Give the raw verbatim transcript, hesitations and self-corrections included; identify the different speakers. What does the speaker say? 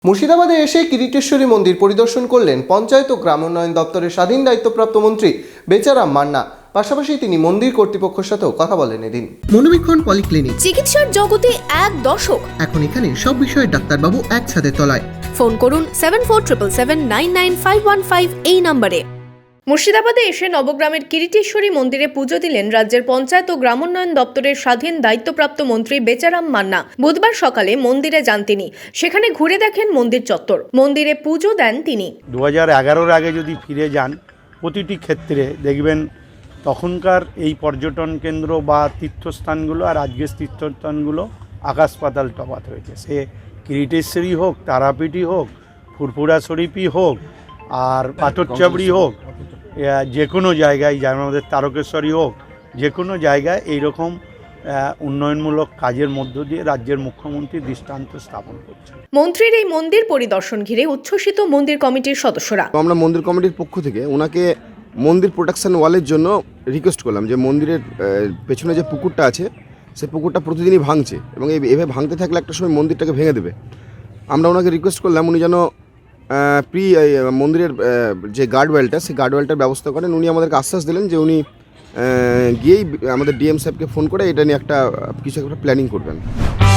Speaker 1: মুর্শিদাবাদে এসে কিরিটেশ্বরী মন্দির পরিদর্শন করলেন পঞ্চায়েত ও গ্রাম উন্নয়ন দপ্তরের স্বাধীন দায়িত্বপ্রাপ্ত মন্ত্রী বেচারাম মান্না। পাশাপাশি তিনি মন্দির কর্তৃপক্ষের সাথেও কথা বলেন এদিন।
Speaker 2: মনোবীক্ষণ পলিক্লিনিক,
Speaker 3: চিকিৎসার জগতে এক দশক।
Speaker 2: এখন এখানে সব বিষয়ে ডাক্তারবাবু একসাথে তলায়।
Speaker 3: ফোন করুন seven four triple seven nine nine five one five এই নম্বরে। মুর্শিদাবাদে এসে নবগ্রামের কিরিটেশ্বরী মন্দিরে পুজো দিলেন রাজ্যের পঞ্চায়েত ও গ্রামোন্নয়ন দপ্তরের স্বাধীন দায়িত্বপ্রাপ্ত মন্ত্রী বেচারাম মান্না। বুধবার সকালে মন্দিরে যান তিনি, সেখানে ঘুরে দেখেন মন্দির চত্বর, মন্দিরে পুজো দেন তিনি।
Speaker 4: দু হাজার এগারোর আগে যদি ফিরে যান, প্রতিটি ক্ষেত্রে দেখবেন তখনকার এই পর্যটন কেন্দ্র বা তীর্থস্থানগুলো আর আজকের তীর্থস্থানগুলো আকাশ পাতাল তফাৎ হয়েছে। সে কিরিটেশ্বরী হোক, তারাপীঠই হোক, ফুরফুরা শরীফই হোক, আর পাথরচাবড়ি হোক, যে কোনো জায়গায়, যেমন আমাদের তারকেশ্বরী হোক, যে কোনো জায়গায় এইরকম উন্নয়নমূলক কাজের মধ্য দিয়ে রাজ্যের মুখ্যমন্ত্রী দৃষ্টান্ত স্থাপন করছেন।
Speaker 3: মন্ত্রীর এই মন্দির পরিদর্শন ঘিরে উচ্ছ্বসিত মন্দির কমিটির সদস্যরা।
Speaker 5: আমরা মন্দির কমিটির পক্ষ থেকে ওনাকে মন্দির প্রোটেকশন ওয়ালের জন্য রিকোয়েস্ট করলাম যে মন্দিরের পেছনে যে পুকুরটা আছে সেই পুকুরটা প্রতিদিনই ভাঙছে এবং এভাবে ভাঙতে থাকলে একটা সময় মন্দিরটাকে ভেঙে দেবে। আমরা ওনাকে রিকোয়েস্ট করলাম উনি যেন প্রি মন্দিরের যে গার্ডওয়ালটা সেই গার্ডওয়ালটার ব্যবস্থা করেন। উনি আমাদেরকে আশ্বাস দিলেন যে উনি গিয়েই আমাদের ডিএম সাহেবকে ফোন করে এটা নিয়ে একটা কিছু একটা প্ল্যানিং করবেন।